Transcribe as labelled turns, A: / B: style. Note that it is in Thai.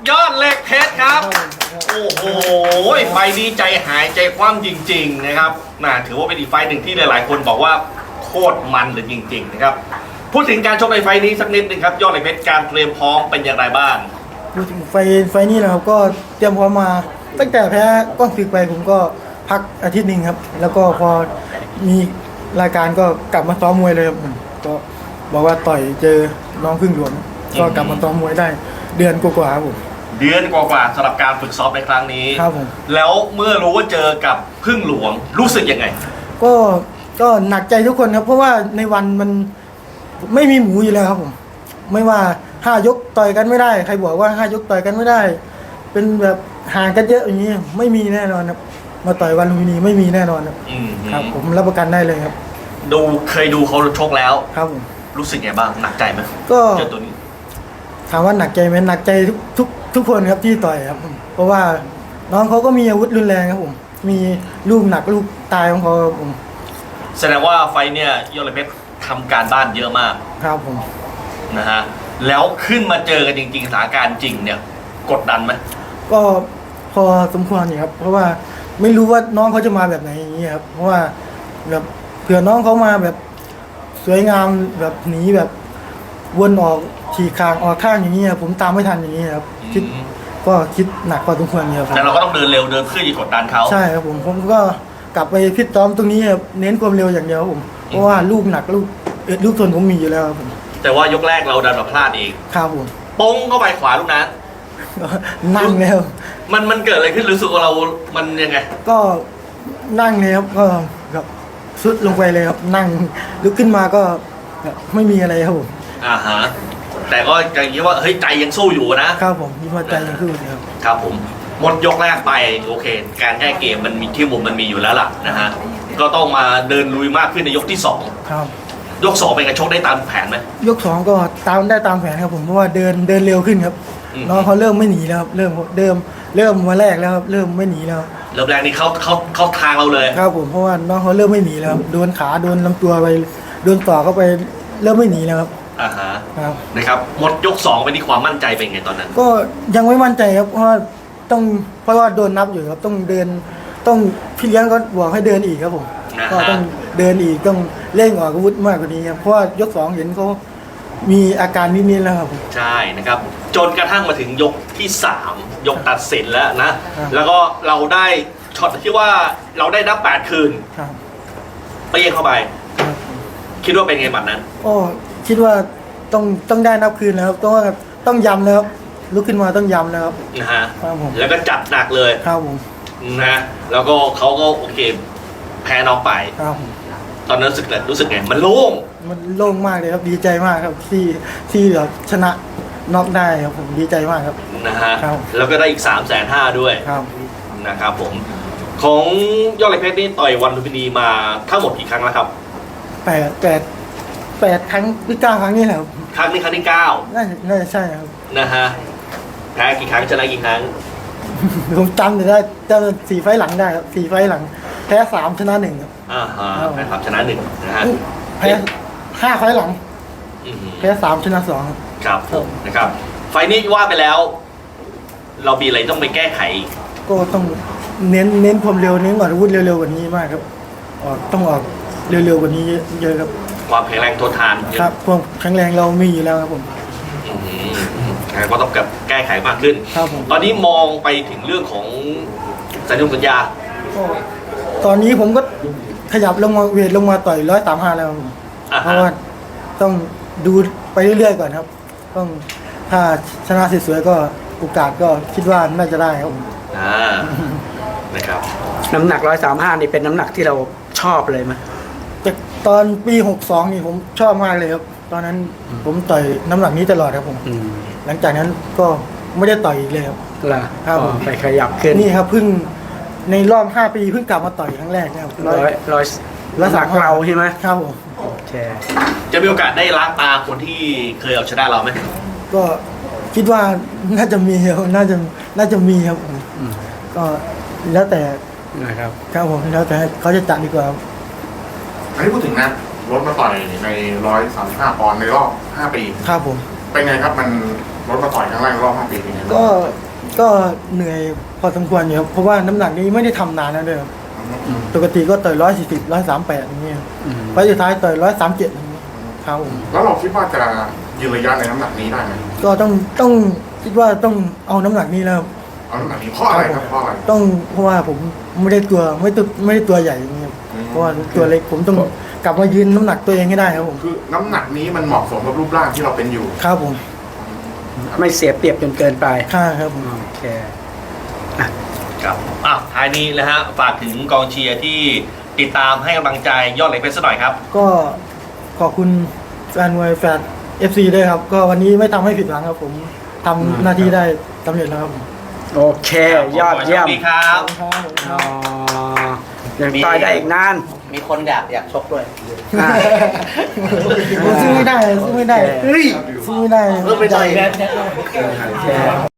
A: ยอดเหล็กเพชรครับ โอ้โหไฟนี้ใจหายใจคว่ำจริงๆนะครับถือว่าเป็นอีกไฟหนึ่งที่หลายๆคนบอกว่าโคตรมันเลยจริงๆนะครับพูดถึงการชกในไฟนี้สักนิดนึงครับยอดเหล็กเพชรการเตรียมพร้อมเป็นอย่างไรบ้าง
B: พูดถึงไฟนี้นะครับก็เตรียมพร้อมมาตั้งแต่แพ้ก้องศึกไปผมก็พักอาทิตย์หนึ่งครับแล้วก็พอมีรายการก็กลับมาซ้อมมวยเลยครับก็บอกว่าต่อยเจอน้องพึ่งหลวงก็กลับมาซ้อมมวยได้เดือนกว่าๆครับผม
A: เดือนกว่าๆสำหรับการฝึกซ้อมในครั้งนี้
B: ครับผม
A: แล้วเมื่อรู้ว่าเจอกับพึ่งหลวงรู้สึกยังไง
B: ก็หนักใจทุกคนครับเพราะว่าในวันมันไม่มีหมูอยู่แล้วครับผมไม่ว่า5 ยกต่อยกันไม่ได้ใครบอกว่า5 ยกต่อยกันไม่ได้เป็นแบบห่างกันเยอะอย่างนี้ไม่มีแน่นอนครับมาต่อยวันลุมพินีไม่มีแน่นอนครับผมรับประกันได้เลยครับ
A: เคยดูเขาชกแล้ว
B: ครับผม
A: รู้สึกไงบ้างหนักใจไหม
B: ก็
A: เจอตัวนี้
B: ถามว่าหนักใจไหมหนักใจทุกคนครับที่ต่อยครับเพราะว่าน้องเขาก็มีอาวุธรุนแรงครับผมมีลูกหนักลูกตายของเขาครับผม
A: แสดงว่าไฟเนี่ยยอดเหล็กเพชรทำการบ้านเยอะมาก
B: ครับผม
A: นะฮะแล้วขึ้นมาเจอกันจริงๆสถานการณ์จริงเนี่ยกดดันไหม
B: ก็พอสมควรอยู่ครับเพราะว่าไม่รู้ว่าน้องเขาจะมาแบบไหนอย่างนี้ครับเพราะว่าแบบเผื่อน้องเขามาแบบสวยงามแบบหนีแบบวนออกขี่คางออกข้างอย่างนี้ผมตามไม่ทันอย่างนี้ครับคิดหนักพอสมควรครับ
A: แต่เราก็ต้องเดินเร็วเดินเพื่อจะกดดันเขา
B: ใช่ครับผมก็กลับไปพิจซ้อมตรงนี้ครับเน้นความเร็วอย่างเดียวผมเพราะว่าลูกหนักลูกทนผมมีอยู่แล้วครับผม
A: แต่ว่ายกแรกเราดันมาพลาดเอง
B: ครับผม
A: ป้งเข้าไปขวาลูกนั้น
B: นั่งแล้ว
A: มันเกิดอะไรขึ้นรู้สึกว่าเรามันยังไง
B: ก็นั่งเลยครับก็แบบสุดลงไปเลยครับนั่งลุกขึ้นมาก็ไม่มีอะไรครับผม
A: ฮะแต่ก็ยังคิดว่าเฮ้ยใจยังสู้อยู่นะครับ
B: ผมคิดว่าใจยังสู้อยู่
A: ครับผมหมดยกแรกไปโอเคการแก้เกมมันมีที่มุมมันมีอยู่แล้วล่ะนะฮะก็ต้องมาเดินลุยมากขึ้นในยกที่2
B: ครับ
A: ยก2เป็นการชกได้ตามแผนไหม
B: ยก2ก็ตามแผนครับผมเพราะว่าเดินเร็วขึ้นครับน้องเขาเริ่มไม่หนีแล้วครับเริ่มมาแรกแล้วครับเริ่มไม่หนีแล้ว
A: เริ่มแรกนี่เขาทางเราเลย
B: ครับผมเพราะว่าน้องเขาเริ่มไม่หนีแล้วโดนขาโดนลำตัวไปโดนต่อเข้าไปเริ่มไม่หนีแล้วครับ
A: ครับนะครับหมดยก2ไปนี่ความมั่นใจเป็นไงตอนนั้น
B: ก็ยังไม่มั่นใจครับเพราะว่าโดนนับอยู่ครับต้องเดินต้องพี่เลี้ยงก็บอกให้เดินอีกครับผมก็ต้องเดินอีกต้องเร่งออกอาวุธมากกว่านี้ครับเพราะว่ายก2เห็นเขามีอาการนิดๆแล้วครับ
A: ใช่นะครับจนกระทั่งมาถึงยกที่3ยกตัดสินแล้วนะแล้วก็เราได้ช็อตที่ว่าเราได้นับ8คืนไปเยี่ยงเข้าไปคิดว่าเป็นไงบัดนั้น
B: คิดว่าต้องได้นับคืนแล้วครับต้องย้ำแล้วครับลุกขึ้นมาต้องย้ำแล้วครับ
A: แล้วก็จัดหนักเลย
B: ครับผม
A: นะแล้วก็เขาก็โอเคแพ้น้องไป
B: ครับ
A: ตอนนั้นรู้สึกไงมันโล่
B: งมากเลยครับดีใจมากครับที่แบบชนะน็อกได้ครับผมดีใจมากครับ
A: นะฮะแล้วก็ได้อีก350,000ด้วยนะครับผมของยอดเหล็กเพชรนี่ต่อยวันลุมพินีมาทั้งหมดกี่ครั้งแล้วครับ
B: 8 ครั้งหรือ9 ครั้งนี่แหละครับ
A: ครั้งนี้ครั้งที่9
B: น่าจะใช่ครับ
A: นะฮะแพ้กี่ครั้งชนะกี่ครั้ง
B: ผมจำได้4 ไฟล์หลังได้ครับ4 ไฟล์หลังแพ้3ชนะ1ครับ
A: แพ้3ชนะ1นะฮะ
B: แพ้5 ไฟล์หลังแพ้3ชนะ2
A: ครับนะครับไฟนี้ว่าไปแล้วเรามีอะไรต้องไปแก้ไข
B: ก็ต้องเน้นความเร็วเน้นก่อนอาวุธเร็วๆกว่านี้มากครับต้องออกเร็วๆกว่านี้เยอะครับ
A: ความแข็งแรงทนทาน
B: ครับความแข็งแรงเรามีอยู่แล้วครับผม
A: ก็ต้องแก้ไขมากขึ้น
B: ครับผม
A: ตอนนี้มองไปถึงเรื่องของสัญญา
B: ตอนนี้ผมก็ขยับลงมาเวทลงมาต่อย135แล้วเพราะว่าต้องดูไปเรื่อยๆก่อนครับต้องถ้าชนะสวยๆก็โอกาสก็คิดว่าน่าจะได้ครับ
A: นะครับ
C: น้ำหนัก135นี่เป็นน้ำหนักที่เราชอบเลยไหม
B: แต่ตอนปี62นี่ผมชอบมากเลยครับตอนนั้นผมต่อยน้ำหนักนี้ตลอดครับผมหลังจากนั้นก็ไม่ได้ต่อยอีกเลยครับ
C: ครับไปขยับขึ้น
B: นี่ครับเพิ่งในรอบ5 ปีเพิ่งกลับมาต่อยครั้งแรกนะครับ
C: 100เราใช่ไหม
B: ครับผม
A: จะมีโอกาสได้ล้างตาคนที่เคยเอาชนะเราไหม
B: ก็คิดว่าน่าจะมีครับน่าจะมีครับก็แล้วแต่
C: นะครับ
B: ครับผมแล้วแต่เขาจะจัดดีกว่า
D: อันนี้พูดถึงนะรถมาต่อยใน135 ปอนด์ในรอบ5 ปี
B: ครับผม
D: เป็นไงครับมันรถมาต่อยครั้งแรกรอบ5 ปีเป็นไงบ้าง
B: ก็เหนื่อยพอสมควรอยู่ครับเพราะว่าน้ำหนักนี้ไม่ได้ทำนานแล้วด้วยครับปกติก็ต่อย140 138อย่างเงี้ยไฟล์สุดท้ายต่อย137อย่างเงี้ยครับผม
D: แล้วเราคิดว่าจะยืนระยะในน้ำหนักนี้ได้ไหม
B: ก็ต้องคิดว่าต้องเอาน้ำหนักนี้แล้วครับ
D: เอาน้ำหนักนี้เพราะอะไรครับเพราะอะไร
B: เพราะว่าผมไม่ได้ตัวใหญ่อย่างเงี้ยครับ
D: อืม
B: เพราะว่าตัวเล็กผมต้องกลับมายืนน้ำหนักตัวเองให้ได้ครับผม
D: คือน้ำหนักนี้มันเหมาะสมกับรูปร่างที่เราเป็นอยู่
B: ครับผม
C: ไม่เสียเปรียบจนเกินไป
B: ค่าครับผม
C: โอเค
A: ครับท้ายนี้นะฮะฝากถึงกองเชียร์ที่ติดตามให้กำลังใจยอดเหล็กเพชรสักหน่อยครับ
B: ก็ขอบคุณแฟนมวยแฟน FC ด้วยครับ ก็วันนี้ไม่ทำให้ผิดหวังครับผมทำหน้าที่ได้สำเร็จแล้วครับผม
C: โอเค ยอดเยี่ยม
A: ขบคุณครับ
B: ครับผม
C: อ๋อยังต่อยได้อีกนาน
E: มีคนอยากชกด้วย
C: อ่ะ
B: ผมสู้ไม่ได้
C: เฮ้ย
B: สู้ไม่ได้
E: เลิกไปต่อย
C: โอเค